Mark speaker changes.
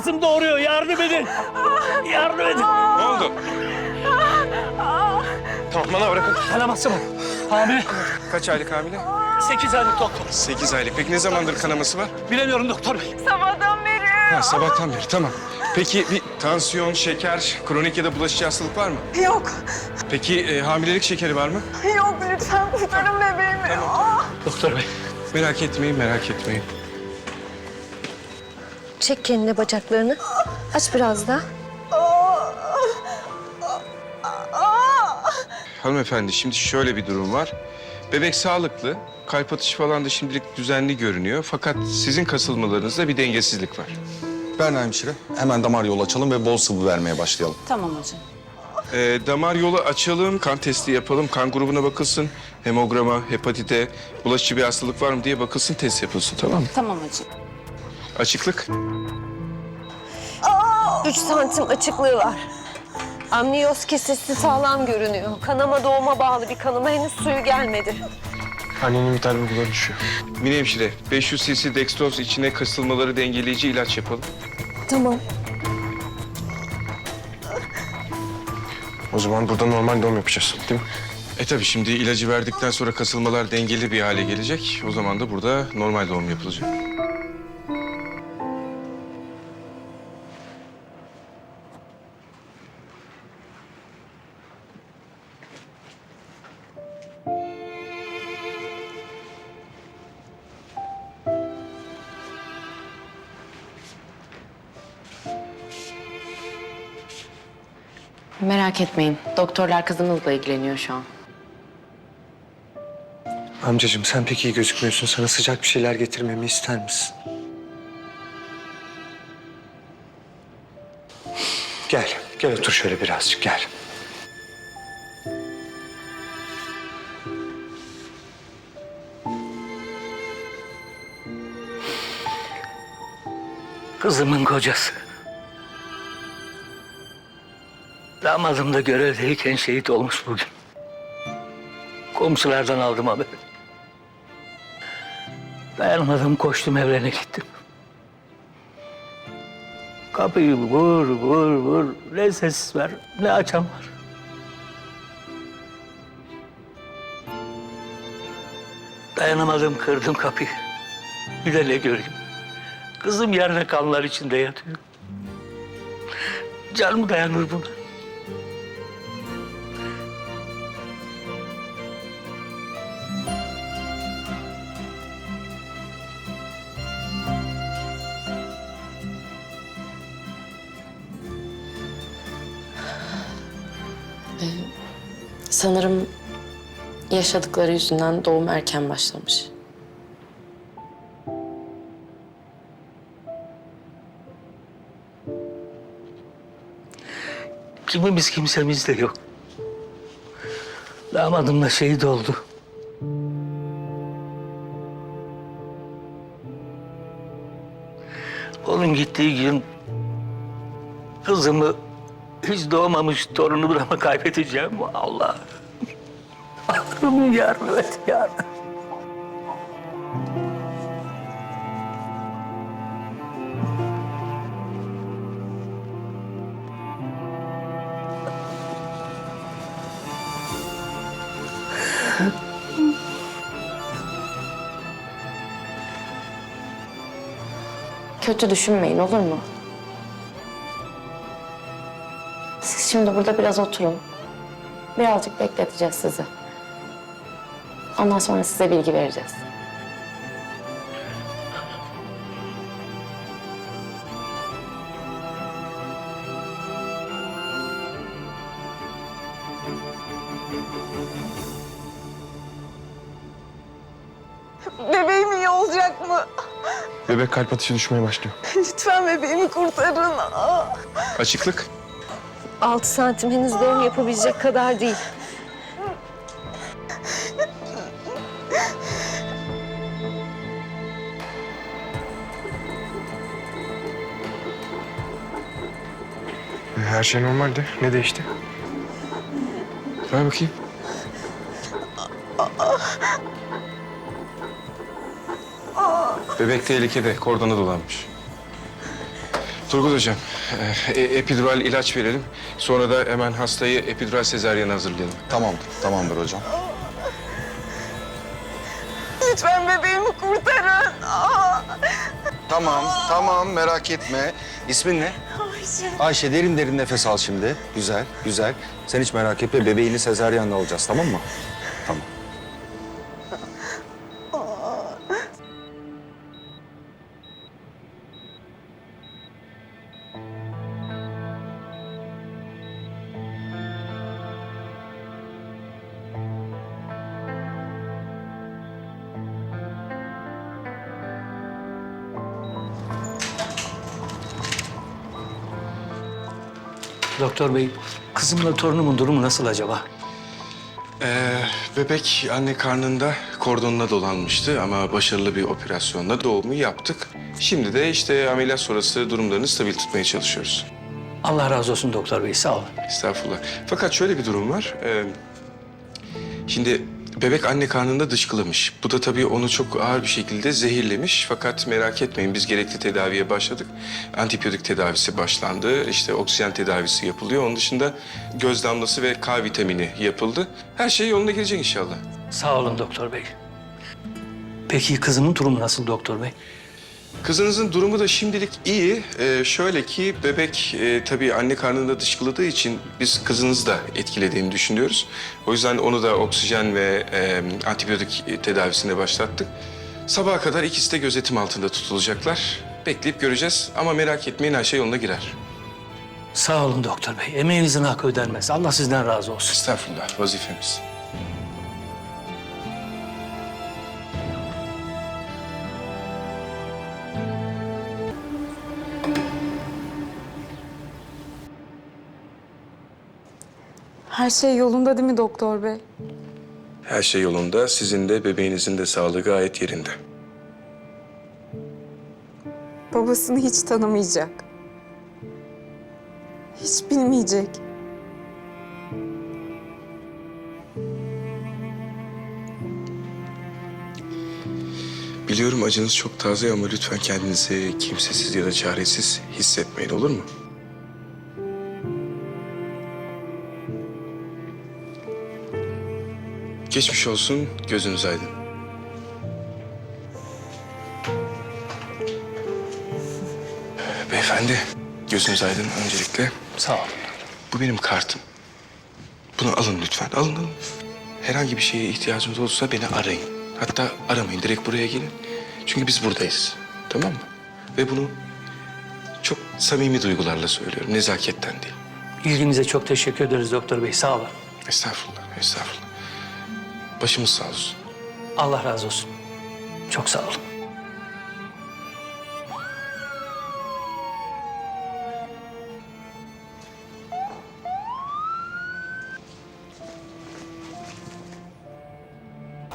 Speaker 1: Kızım doğuruyor. Yardım edin. Yardım edin.
Speaker 2: Ne oldu? Tamam, bana bırakın.
Speaker 1: Kanaması var. Hamile.
Speaker 2: Kaç aylık hamile?
Speaker 1: 8 aylık doktor.
Speaker 2: 8 aylık. Peki ne zamandır kanaması var?
Speaker 1: Bilemiyorum doktor bey.
Speaker 3: Sabahtan beri.
Speaker 2: Ha, sabahtan beri, tamam. Peki bir tansiyon, şeker, kronik ya da bulaşıcı hastalık var mı?
Speaker 3: Yok.
Speaker 2: Peki hamilelik şekeri var mı?
Speaker 3: Yok lütfen kurtarın bebeğimi.
Speaker 1: Doktor bey.
Speaker 2: Merak etmeyin, merak etmeyin.
Speaker 4: Çek kendine bacaklarını. Aç biraz daha.
Speaker 2: Hanımefendi, şimdi şöyle bir durum var. Bebek sağlıklı, kalp atışı falan da şimdilik düzenli görünüyor. Fakat sizin kasılmalarınızda bir dengesizlik var.
Speaker 5: Berna hemşire, hemen damar yolu açalım ve bol sıvı vermeye başlayalım.
Speaker 6: Tamam hocam.
Speaker 2: Damar yolu açalım, kan testi yapalım, kan grubuna bakılsın. Hemograma, hepatite, bulaşıcı bir hastalık var mı diye bakılsın, test yapılsın, tamam mı?
Speaker 6: Tamam hocam.
Speaker 2: Açıklık.
Speaker 4: 3 santim açıklığı var. Amniyoz kesesi sağlam görünüyor. Kanama doğuma bağlı bir kanama, henüz suyu gelmedi.
Speaker 7: Annenin vital bulguları düşüyor.
Speaker 2: Mine hemşire, 500 cc dextroz içine kasılmaları dengeleyici ilaç yapalım.
Speaker 4: Tamam.
Speaker 7: O zaman burada normal doğum yapacağız, değil mi?
Speaker 2: Tabii şimdi ilacı verdikten sonra kasılmalar dengeli bir hale gelecek. O zaman da burada normal doğum yapılacak.
Speaker 6: Merak etmeyin. Doktorlar kızımızla ilgileniyor şu an.
Speaker 7: Amcacığım sen pek iyi gözükmüyorsun. Sana sıcak bir şeyler getirmemi ister misin? Gel, gel otur şöyle birazcık gel.
Speaker 1: Kızımın kocası. Damadım da görevdeyken şehit olmuş bugün. Komşulardan aldım haberi. Dayanamadım, koştum evlerine gittim. Kapıyı vur vur vur. Ne ses var, ne açan var. Dayanamadım, kırdım kapıyı. Bir de ne göreyim. Kızım yerde kanlar içinde yatıyor. Canım dayanır buna.
Speaker 6: Sanırım yaşadıkları yüzünden doğum erken başlamış.
Speaker 1: Kimimiz kimsemiz de yok. Damadım da şehit oldu. Onun gittiği gün kızımı, hiç doğmamış torunumu da mı kaybedeceğim? Allah. Allah'ım yardım et, yardım.
Speaker 6: Kötü düşünmeyin, olur mu? Siz şimdi burada biraz oturun. Birazcık bekleteceğiz sizi. Ondan sonra size bilgi vereceğiz.
Speaker 3: Bebeğim iyi olacak mı?
Speaker 7: Bebek kalp atışı düşmeye başlıyor.
Speaker 3: Lütfen bebeğimi kurtarın.
Speaker 2: Açıklık.
Speaker 4: 6 santim, henüz doğum yapabilecek kadar değil.
Speaker 7: Her şey normaldi. Ne değişti?
Speaker 2: Ver bakayım. Bebek tehlikede, kordona dolanmış. Turgut Hocam, epidural ilaç verelim. Sonra da hemen hastayı epidural sezaryen hazırlayalım.
Speaker 5: Tamamdır hocam.
Speaker 3: Lütfen bebeğimi kurtarın.
Speaker 5: Tamam merak etme. İsmin ne? Ayşe derin derin nefes al şimdi. Güzel. Sen hiç merak etme, bebeğini sezaryenle alacağız, tamam mı? Tamam.
Speaker 1: Doktor bey, kızımla torunumun durumu nasıl acaba?
Speaker 2: Bebek anne karnında kordonuna dolanmıştı ama başarılı bir operasyonla doğumu yaptık. Şimdi de işte ameliyat sonrası durumlarını stabil tutmaya çalışıyoruz.
Speaker 1: Allah razı olsun doktor bey, sağ olun.
Speaker 2: Estağfurullah. Fakat şöyle bir durum var. Şimdi bebek anne karnında dışkılamış. Bu da tabii onu çok ağır bir şekilde zehirlemiş. Fakat merak etmeyin, biz gerekli tedaviye başladık. Antibiyotik tedavisi başlandı. İşte oksijen tedavisi yapılıyor. Onun dışında göz damlası ve K vitamini yapıldı. Her şey yoluna girecek inşallah.
Speaker 1: Sağ olun doktor bey. Peki kızımın durumu nasıl doktor bey?
Speaker 2: Kızınızın durumu da şimdilik iyi. Şöyle ki bebek tabii anne karnında dışkıladığı için biz kızınızı da etkilediğini düşünüyoruz. O yüzden onu da oksijen ve antibiyotik tedavisine başlattık. Sabaha kadar ikisi de gözetim altında tutulacaklar. Bekleyip göreceğiz ama merak etmeyin, her şey yoluna girer.
Speaker 1: Sağ olun doktor bey. Emeğinizin hakkı ödenmez. Allah sizden razı olsun.
Speaker 2: Estağfurullah, vazifemiz.
Speaker 3: Her şey yolunda değil mi doktor bey?
Speaker 2: Her şey yolunda. Sizin de bebeğinizin de sağlığı gayet yerinde.
Speaker 3: Babasını hiç tanımayacak. Hiç bilmeyecek.
Speaker 2: Biliyorum acınız çok taze ama lütfen kendinizi kimsesiz ya da çaresiz hissetmeyin, olur mu? Geçmiş olsun, gözünüz aydın. Beyefendi, gözünüz aydın öncelikle.
Speaker 1: Sağ olun.
Speaker 2: Bu benim kartım. Bunu alın lütfen, alın. Herhangi bir şeye ihtiyacınız olursa beni arayın. Hatta aramayın, direkt buraya gelin. Çünkü biz buradayız, tamam mı? Ve bunu çok samimi duygularla söylüyorum, nezaketten değil.
Speaker 1: İlginize çok teşekkür ederiz doktor bey. Sağ olun.
Speaker 2: Estağfurullah. Başımız sağ olsun.
Speaker 1: Allah razı olsun. Çok sağ olun.